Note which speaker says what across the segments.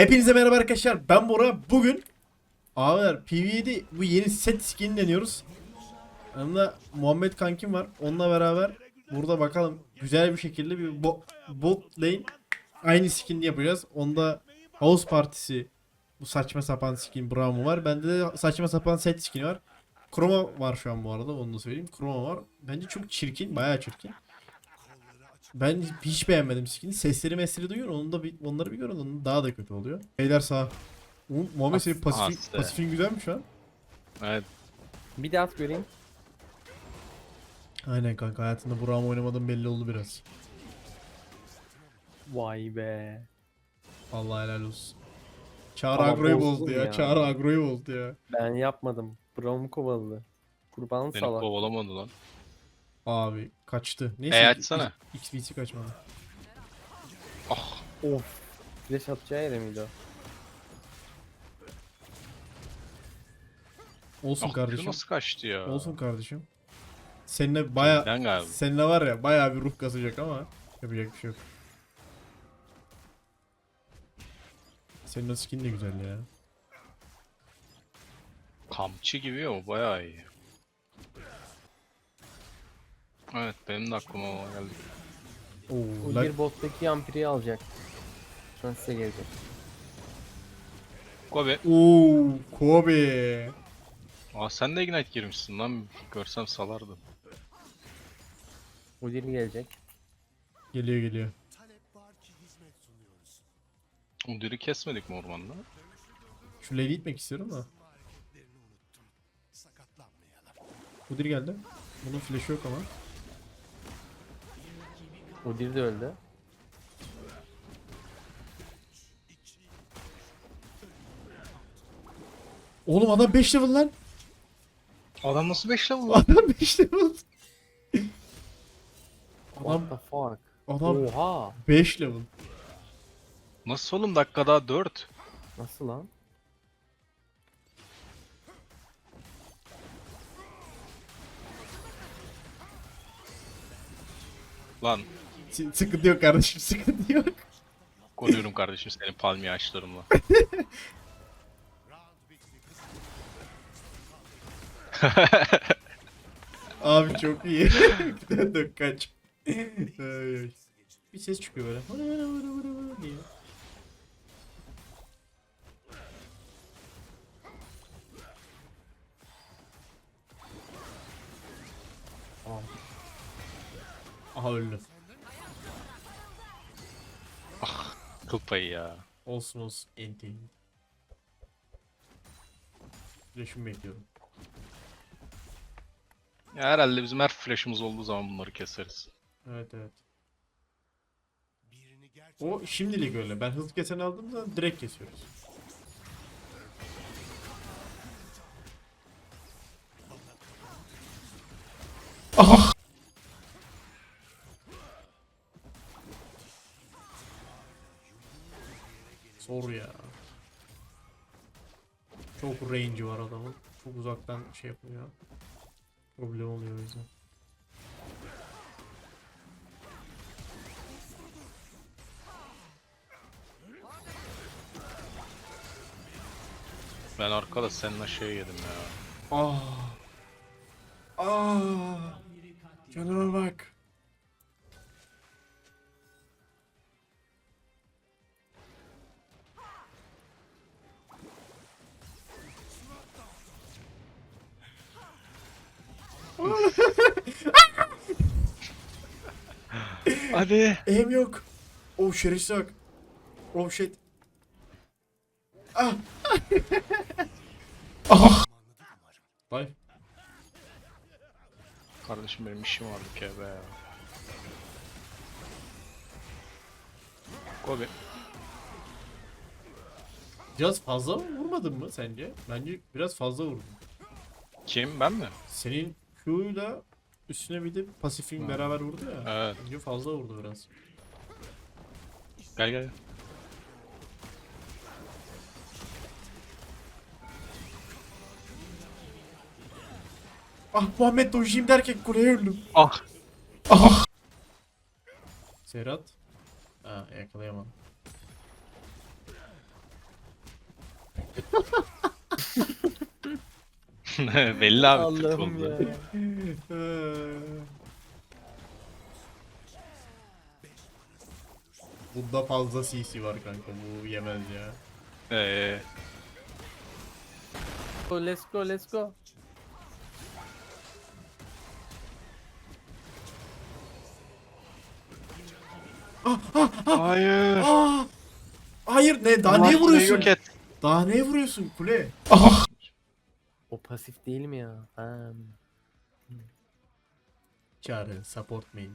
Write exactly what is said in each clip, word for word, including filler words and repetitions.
Speaker 1: Hepinize merhaba arkadaşlar, ben Bora. Bugün ağlar P V E'de bu yeni set skin deniyoruz. Yanımda Muhammed kankim var. Onunla beraber burada bakalım güzel bir şekilde bir bo bot lane aynı skin yapacağız. Onda House Partisi, bu saçma sapan skin Braum var. Bende de saçma sapan set skin var. Chroma var şu an bu arada, onu da söyleyeyim. Chroma var. Bence çok çirkin, bayağı çirkin. Ben hiç beğenmedim skin'i. Sesleri mesleri duyuyor. Onu da bir, onları bir görün. Onun daha da kötü oluyor. Beyler sağ. Oğlum, Muhammed senin pasifin,
Speaker 2: Aslı.
Speaker 1: pasifin güzel mi şu an?
Speaker 2: Evet.
Speaker 3: Bir daha at göreyim.
Speaker 1: Aynen kanka, hayatında Burak'ım oynamadığım belli oldu biraz.
Speaker 3: Vay be.
Speaker 1: Vallahi helal olsun. Çağrı
Speaker 3: Ama
Speaker 1: agroyu
Speaker 3: bozdun
Speaker 1: bozdu ya.
Speaker 3: ya.
Speaker 1: Çağrı agroyu bozdu ya.
Speaker 3: Ben yapmadım. Brown kovaladı. Kurban
Speaker 2: Beni
Speaker 3: salak.
Speaker 2: kovalamadı lan.
Speaker 1: Abi kaçtı. Neyse.
Speaker 2: E açsana.
Speaker 1: X B C kaçmadı.
Speaker 2: Ah.
Speaker 3: Of. Flash atacağı yere miydi o?
Speaker 1: Olsun
Speaker 2: Ah,
Speaker 1: kardeşim.
Speaker 2: nasıl kaçtı ya?
Speaker 1: Olsun kardeşim. Seninle baya
Speaker 2: Ben galiba.
Speaker 1: seninle var ya baya bir ruh kasacak ama yapacak bir şey yok. Senin o skin de güzel ya.
Speaker 2: Kamçı gibi o bayağı iyi. Evet benim de aklıma o geldi.
Speaker 1: Oo,
Speaker 3: O
Speaker 1: la-
Speaker 3: bir bottaki yampiri alacak. Şu an size gelecek.
Speaker 2: Kobe.
Speaker 1: Oo, Kobe.
Speaker 2: Aa sen de Ignite girmişsin lan. Görsem salardım.
Speaker 3: Udyr gelecek.
Speaker 1: Geliyor geliyor.
Speaker 2: O diri kesmedik mi ormanda?
Speaker 1: Şu lane'e gitmek istiyorum da. Kudir geldi. Bunun flash'ı yok ama.
Speaker 3: Udyr de öldü.
Speaker 1: Oğlum adam beş level lan.
Speaker 2: Adam nasıl beş level lan?
Speaker 1: Adam beş level.
Speaker 3: What
Speaker 1: Adam
Speaker 3: the fuck?
Speaker 1: adam
Speaker 3: Oha.
Speaker 1: beş level.
Speaker 2: Nasıl oğlum dakika daha dört.
Speaker 3: Nasıl lan?
Speaker 2: Lan
Speaker 1: S- sıkıntı yok kardeşim, sıkıntı yok.
Speaker 2: koruyorum kardeşim senin palmiye ağaçlarımla.
Speaker 1: Abi çok iyi. Bir tane de kaç. Ay, ay. Bir ses çıkıyor böyle. Vıra vıra vıra vıra vıra diye. Aha öldü.
Speaker 2: Kıl payı ya.
Speaker 1: Olsun olsun. Enti. Flash'ımı bekliyorum.
Speaker 2: Ya herhalde bizim her flash'ımız olduğu zaman bunları keseriz.
Speaker 1: Evet evet. O şimdilik öyle. Ben hızlı kesen aldığım zaman direkt kesiyoruz. Ah! Zor ya. Çok range'i var adamın. Çok uzaktan şey yapıyor. Problem oluyor o yüzden.
Speaker 2: Ben arkada seninle şey yedim ya.
Speaker 1: Ah. Ah. Canıma bak.
Speaker 2: Hadi.
Speaker 1: Aim yok. Oh şerefsiz bak. Oh shit. Ah. Ah. Vay.
Speaker 2: Kardeşim benim işim vardı ki be. Kobe.
Speaker 1: Biraz fazla mı vurmadın mı sence? Bence biraz fazla vurdun.
Speaker 2: Kim ben mi?
Speaker 1: Senin Q'yla üstüne bir de pasifin
Speaker 2: Ha.
Speaker 1: beraber vurdu ya.
Speaker 2: Evet.
Speaker 1: Bence fazla vurdu biraz.
Speaker 2: Gel gel.
Speaker 1: Ah Muhammed dojiyim derken kuleye öldüm.
Speaker 2: Ah.
Speaker 1: Ah. Serhat. Ha yakalayamadım.
Speaker 2: Belli abi Türk
Speaker 3: Allah'ım
Speaker 2: oldu.
Speaker 3: ya.
Speaker 1: Bunda fazla C C var kanka, bu yemez ya.
Speaker 2: Eee
Speaker 3: Go, let's go, let's go.
Speaker 2: hayır.
Speaker 1: Aa! Hayır, ne daha
Speaker 2: Allah
Speaker 1: neye
Speaker 2: kuleyi
Speaker 1: vuruyorsun?
Speaker 2: Yok et.
Speaker 1: Daha neye vuruyorsun kule?
Speaker 3: O pasif değil mi ya? Ha.
Speaker 1: Çağrı support main.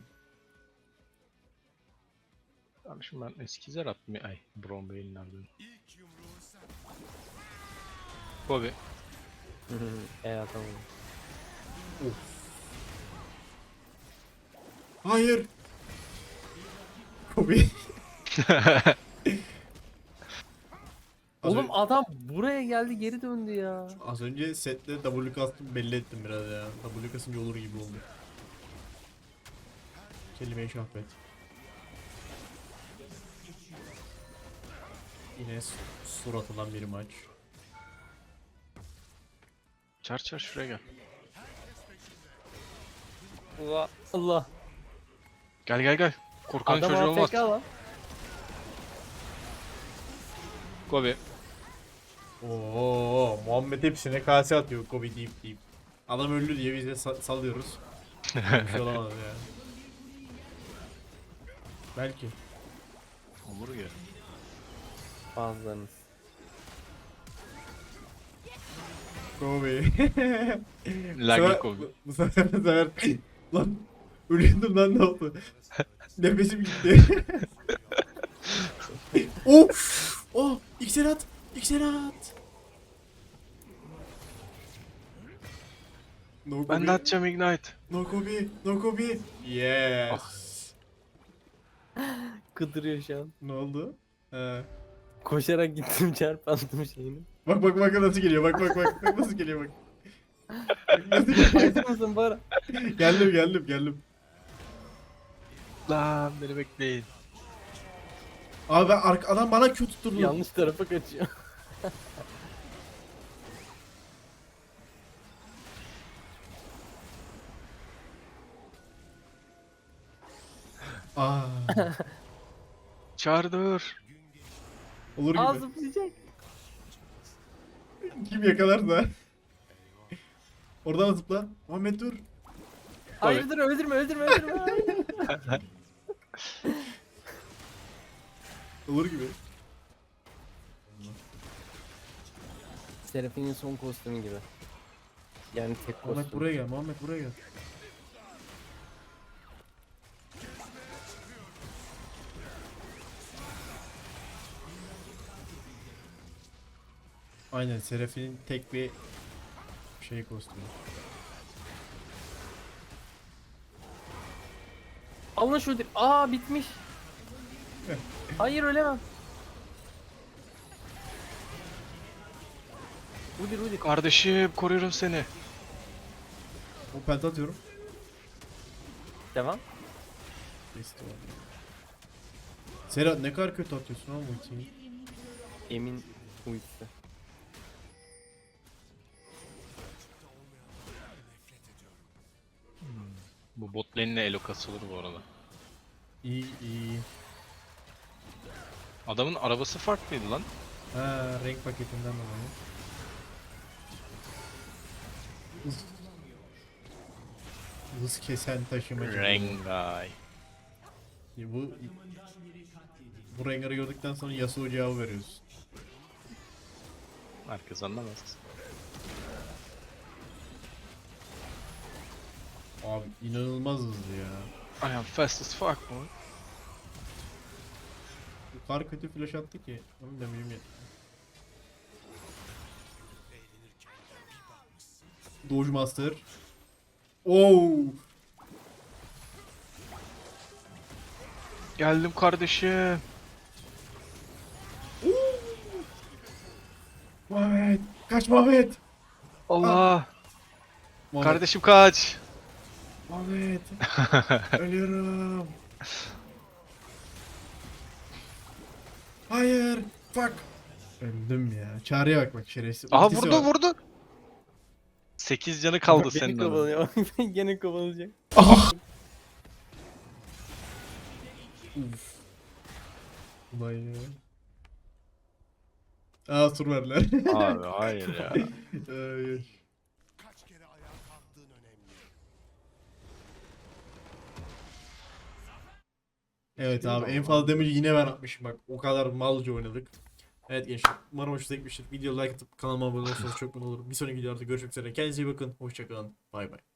Speaker 2: Abi şimdi ben eski zer attım. Ay Braum Bey'inlerden. Bobby.
Speaker 3: Evet tamam.
Speaker 1: Hayır. Kobe. Az,
Speaker 3: Oğlum
Speaker 1: ön-
Speaker 3: adam buraya geldi geri döndü ya.
Speaker 1: az önce sette W kastım belli ettim biraz ya. W kasınca olur gibi oldu. Kelime-i şahbet. Yine su- suratılan bir maç.
Speaker 2: Çar çar şuraya gel.
Speaker 3: Allah. Allah.
Speaker 2: Gel gel gel. Korkanın
Speaker 3: Adam
Speaker 2: çocuğu olmaz.
Speaker 3: A F K lan.
Speaker 2: Bobby.
Speaker 1: Oo, Muhammed hepsine kase atıyor Kobe deyip deyip. Adam öldü diye biz de sa- salıyoruz. Bir şey olamaz ya. Belki.
Speaker 2: Olur ya.
Speaker 3: Bazılarınız.
Speaker 1: Kobe.
Speaker 2: Laggy Kobe.
Speaker 1: Bu sefer bu sefer lan ölüyordum lan, ne oldu? Nefesim gitti. Of! Oh! İksir at! İksir at! No Kobe.
Speaker 2: Ben de atacağım Ignite.
Speaker 1: No Kobe. No Kobe. Yes.
Speaker 3: Kıdırıyor şu an.
Speaker 1: Ne oldu? He.
Speaker 3: Koşarak gittim çarpandım şeyini.
Speaker 1: Bak bak bak nasıl geliyor. Bak bak bak. Bak nasıl geliyor bak. Bak nasıl geliyor.
Speaker 3: Hazır mısın Bara?
Speaker 1: Geldim geldim geldim.
Speaker 2: Lan beni bekleyin.
Speaker 1: Abi ben arka, adam bana kötü tutturdu.
Speaker 3: Yanlış tarafa kaçıyor.
Speaker 1: Aa,
Speaker 2: Çağır dur.
Speaker 1: olur gibi.
Speaker 3: Aa zıplayacak.
Speaker 1: Kim yakalar da. Oradan zıpla. Muhammed dur.
Speaker 3: Hayırdır öldürme öldürme öldürme.
Speaker 1: Olur gibi.
Speaker 3: Seraphim'in son kostümü gibi. Yani tek
Speaker 1: Muhammed
Speaker 3: kostüm.
Speaker 1: buraya gel. Muhammed buraya gel. Aynen, Seraphim'in tek bir şey kostümü.
Speaker 3: Allah şu öldür. Aa bitmiş. Hayır ölemem. Udir udir.
Speaker 2: Kardeşim koruyorum seni.
Speaker 1: O penta atıyorum.
Speaker 3: Devam.
Speaker 1: Besti var. Serhat ne kadar kötü atıyorsun oğlum ultiyi.
Speaker 3: Emin uyusu.
Speaker 2: Bu bot lane'le elo kasılır bu arada.
Speaker 1: İyi iyi.
Speaker 2: Adamın arabası farklıydı lan.
Speaker 1: Ha, renk paketinden dolayı. Hız, hız kesen taşımacı.
Speaker 2: Rengai.
Speaker 1: Bu bu Rengar'ı gördükten sonra Yasuo cevabı veriyoruz.
Speaker 2: Herkes anlamaz.
Speaker 1: Abi inanılmaz hızlı ya.
Speaker 2: I am fast as fuck boy.
Speaker 1: Bu kadar kötü flash attı ki. Onun damage'im yetti. Doge Master. Oo.
Speaker 2: Geldim kardeşim.
Speaker 1: Muhammed. Kaç Muhammed.
Speaker 2: Allah.
Speaker 1: Muhammed.
Speaker 2: Kardeşim kaç.
Speaker 1: Muhammed. Ölüyorum. Hayır. Fuck. Öldüm ya. Çağrı'ya bak bak şerefsiz.
Speaker 2: Aha
Speaker 1: Ultisi
Speaker 2: vurdu
Speaker 1: var.
Speaker 2: vurdu. sekiz canı kaldı
Speaker 3: Gene
Speaker 2: senin adına.
Speaker 3: kovalanıyor. Gene kovalanacak.
Speaker 1: Ah! Uf. Ulan ya. Aa tur verdiler.
Speaker 2: Abi hayır ya.
Speaker 1: Ay, ay. Evet abi en fazla damage'i yine ben atmışım bak. O kadar malca oynadık. Evet gençler umarım hoşunuza gitmiştir. Video like atıp kanalıma abone olursanız çok mutlu olurum. Bir sonraki videoda görüşmek üzere. Kendinize iyi bakın. Hoşçakalın. Bay bay.